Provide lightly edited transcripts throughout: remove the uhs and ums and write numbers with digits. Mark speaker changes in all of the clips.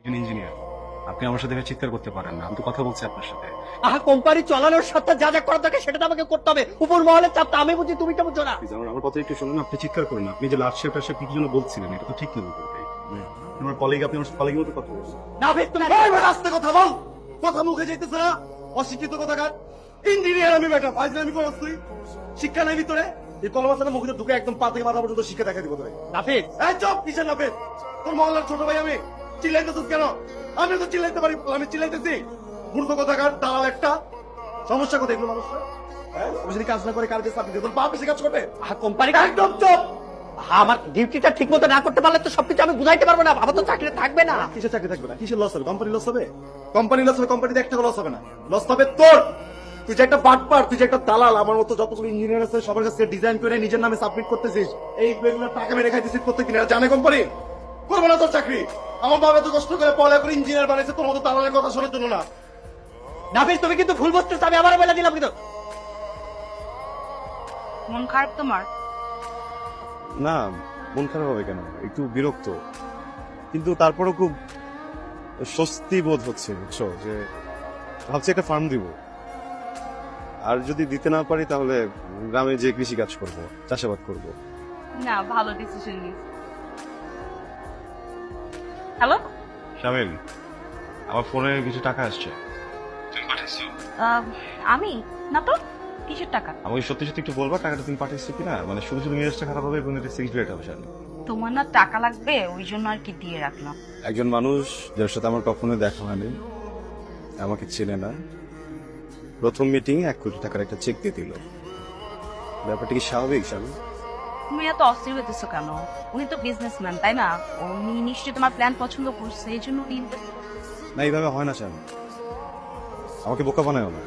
Speaker 1: Engineer, আপনি আমার সাথে এভাবে চিৎকার করতে পারেন না। আমি তো কথা বলছি আপনার সাথে।
Speaker 2: কোম্পানি চালানোর সাথে যা যা করা থাকে সেটা তো আমাকে করতে হবে। উপর মহলের চাপটা আমি বুঝি, তুমি তো বুঝছো না।
Speaker 1: প্লিজ আমার কথা একটু শুনুন। আপনি চিৎকার করেন না। আপনি যে লাস্ট শেফ কি জন্য বলছিলেন, এটা তো ঠিক না। আমার কলিগ, আপনি আমার কলিগের মতো কথা বলছেন।
Speaker 2: নাভিদ, তুমি
Speaker 3: রাস্তায় কথা বল, কথা মুখে যাইতেছে না। অশিক্ষিত কথাকার ইঞ্জিনিয়ার আমি বেটা, ফাইজলামি করছ তুই? শিক্ষা নাই ভিতরে? এই কলমাসানা মুখে ঢুকে একদম পা থেকে মাথা পর্যন্ত শিক্ষা দেখা দিব তোরে।
Speaker 2: নাভিদ,
Speaker 3: এই চুপ, কিসের নাফেদ? তোর মহল্লার ছোট ভাই আমি, চিল্লাইতেছিস কেন? আমি তো চিল্লাইতে পারি, আমি চিল্লাইতেছি? মূর্খ কথাকার দালাল একটা। সমস্যা কোথায় এগুলো মানুষরা? আমি যদি কাজ না করে কার কাছে চাকরি দেব, তোর বাপ এসে কাজ করবে?
Speaker 2: কোম্পানি
Speaker 3: একদম চুপ।
Speaker 2: আমার ডিউটিটা ঠিক মতো না করতে পারলে তো সবকিছু আমি বুঝাইতে পারবো না। আমার তো চাকরি থাকবে না।
Speaker 3: কিসের চাকরি থাকবে না? কিসের লস হবে? কোম্পানি লস হবে? কোম্পানি লস হবে, কোম্পানিতে একটা লস হবে না। লস হবে তোর। তুই যে একটা বাটপার, তুই যে একটা দালাল, আমার মতো যতগুলো ইঞ্জিনিয়ার আছে সবার কাছে ডিজাইন করে নিজের নামে সাবমিট করতেছিস, এই বেগুলো টাকা মেরে খাইতেছিস প্রত্যেকদিন। আর জানে কোম্পানি করবো না তোর চাকরি। আমার বাবা এত কষ্ট করে পড়া করে ইঞ্জিনিয়ার বানাইছে, তোর মতো দালালের কথা শোনার জন্য না।
Speaker 2: নাভিদ, তুমি কিন্তু ভুল বুঝতেছো। আমি আবার বলে দিলাম কিন্তু।
Speaker 4: মন খারাপ তোমার?
Speaker 5: না, মন খারাপ হবে কেন? একটু বিরক্ত, কিন্তু তারপরও খুব স্বস্তি বোধ হচ্ছে, বুঝছো? যে ভাবছি একটা ফার্ম দিব, আর যদি দিতে না পারি তাহলে গ্রামে যে কৃষি কাজ করব, চাষাবাদ করব।
Speaker 4: না, ভালো ডিসিশন নিস। হ্যালো,
Speaker 5: শামিল, আমার ফোনে কিছু টাকা আসছে। তুমি পাঠিয়েছো?
Speaker 4: আমি না তো। কিসের টাকা?
Speaker 5: আমাকে সত্যি সত্যি একটু বলবা টাকাটা তুমি পাঠিয়েছো কিনা? মানে শুধু শুধু মেজাজটা খারাপ হবে এবং এটা সিক্রেট হবে। শামিল,
Speaker 4: তোমার না টাকা লাগবে, ওই জন্য আর কি দিয়ে রাখলাম।
Speaker 5: একজন মানুষ যার সাথে আমার কখনো দেখা হয়নি, আমাকে চেনে না, প্রথম মিটিং 1 কোটি টাকার একটা চেক দিয়ে দিল। ব্যাপারটা কি স্বাভাবিক? শামিল,
Speaker 4: তুমি এত অস্থির হইতেছো কেন? উনি তো বিজনেসম্যান, তাই না? উনি নিশ্চয়ই তোমার প্ল্যান পছন্দ করছে, এই জন্য উনি
Speaker 5: না, এইভাবে হয় না শামিল, আমাকে বোকা বানায় না।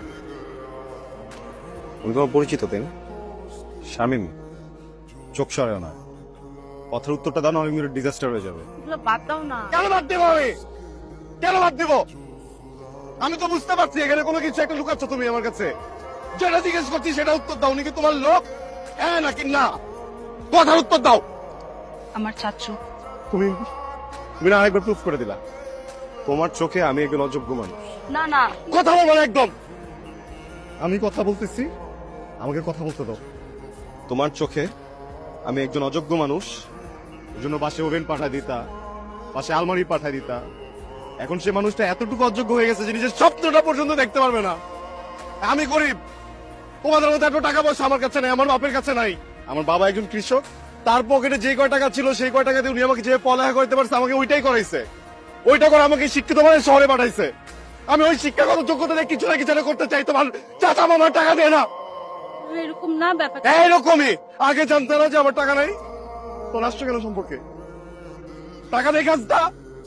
Speaker 5: উনি তোমার পরিচিত, তাই না? শামিম, চোখ সরাও না। কথার উত্তরটা দাও না, অনেক মিনিট ডিজাস্টার হয়ে যাবে।
Speaker 4: এগুলো বাদ দাও না।
Speaker 3: কেন বাদ দেবো আমি? কেন বাদ দেব? আমি তো বুঝতে পারছি এখানে কোনো কিছু একটা লুকাচ্ছ তুমি আমার কাছে। যেটা জিজ্ঞেস করছি সেটা উত্তর দাও। উনি কি তোমার লোক? হ্যাঁ নাকি না? কথার উত্তর দাও।
Speaker 4: আমার চাচু।
Speaker 5: তুমি তুমি না আরেকবার প্রুফ করে দিলা তোমার চোখে আমি একজন অযোগ্য মানুষ।
Speaker 4: না না,
Speaker 3: কথা বলবো না একদম।
Speaker 5: আমি কথা বলতেছি, আমাকে কথা বলতে দাও। তোমার চোখে আমি একজন অযোগ্য মানুষ, ওই জন্য পাশে ওভেন পাঠায় দিতা, পাশে আলমারি পাঠায় দিতা। এখন সে মানুষটা এতটুকু অযোগ্য হয়ে গেছে যে নিজের স্বপ্নটা পর্যন্ত দেখতে পারবে না।
Speaker 3: আমি গরিব, তোমাদের মতো এত টাকা পয়সা আমার কাছে নাই, আমার বাপের কাছে নাই। আমার বাবা একজন কৃষক, তার পকেটে যে কয় টাকা ছিল সেই কয় টাকা দিয়ে উনি আমাকে যে পড়ালেখা করতে পারছে আমাকে ওইটাই করাইছে। ওইটা করে আমাকে শিক্ষিত মানে শহরে পাঠাইছে। আমি ওই শিক্ষাগত যোগ্যতা দিয়ে কিছু না কিছু একটা করতে চাই। তোমার চাচা মামার টাকা দেয় না।
Speaker 4: এরকম না ব্যাপার।
Speaker 3: এইরকমই আগে জানতে না যে আমার টাকা নাই। তোর আসছো কেন সম্পর্কে? টাকা নেই কাজটা।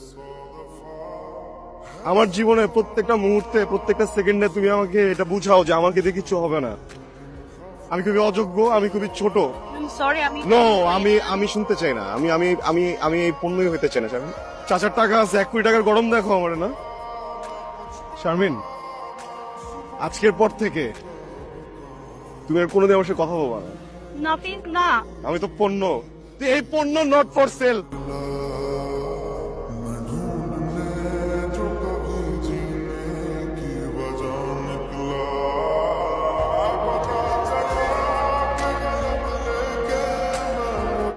Speaker 3: আমার জীবনে প্রত্যেকটা মুহূর্তে, প্রত্যেকটা সেকেন্ডে তুমি আমাকে এটা বুঝাও যে আমাকে দিয়ে কিছু হবে না। আমি খুবই অযোগ্য, আমি খুবই ছোট।
Speaker 4: সরি, আমি
Speaker 5: নো, আমি শুনতে চাই না। আমি আমি আমি আমি এই পণ্যই হইতে চাই না। শারমিন,
Speaker 3: চাচার টাকা আছে, 1 কোটি টাকার গরম দেখো আমার না।
Speaker 5: শারমিন, আজকের পর থেকে তুমি আর কোনোদিন আমার সাথে কথা বলবা না।
Speaker 4: নাফিস না।
Speaker 5: আমি তো পণ্য।
Speaker 3: এই পণ্য নট ফর সেল।